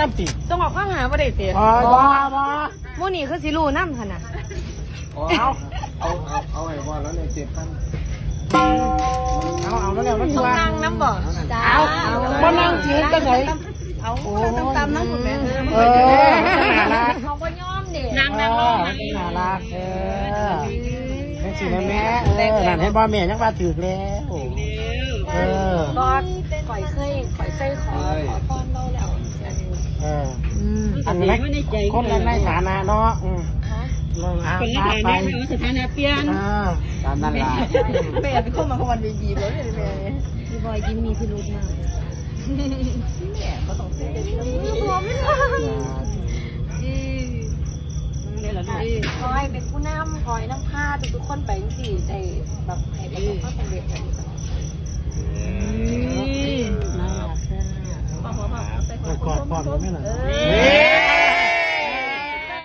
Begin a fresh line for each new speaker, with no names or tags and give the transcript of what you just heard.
น้ำติ
ส่งออกข้างหาบ่ได้เตะ
บ่บ่
มื้อนี้คือสิรู้นำหั่นน่ะ
เอาไอ้บอลแล้วเนี่ย7,000
เอาแล้วเนี่ยมัน
ต้อง
ว่า
นั่งน้ำบ่จ้า
บ่นั่งจีนจังได๋
เอาตำนั่งคุณแม่
น่ารัก
เขาก็ย่อมเด้
น่ารักแม่สิแม่นั่นให้บ่แม่ยังว่าถูกแล้ว
ก็ข่อยเคยขอพรเราแล้ว
อันนี้คนในฐานะเนาะ
ฮะ
คนในฐานะ
สถานะเปลี่ยน
ตามนั้นล่ะ
แม่เป็นคนมาคนดีๆเลยแม่พี่บอยยิ้มมีพิรุธมากแม่ก็ต้องเสียพร้อมไม่ได้คอยเป็นผู้นำคอยนำพาทุกคนไปสิได้แบบให้ประสบความสำเร็จน่ารักค่ะ
กอดพร้อมกันไหมล่ะ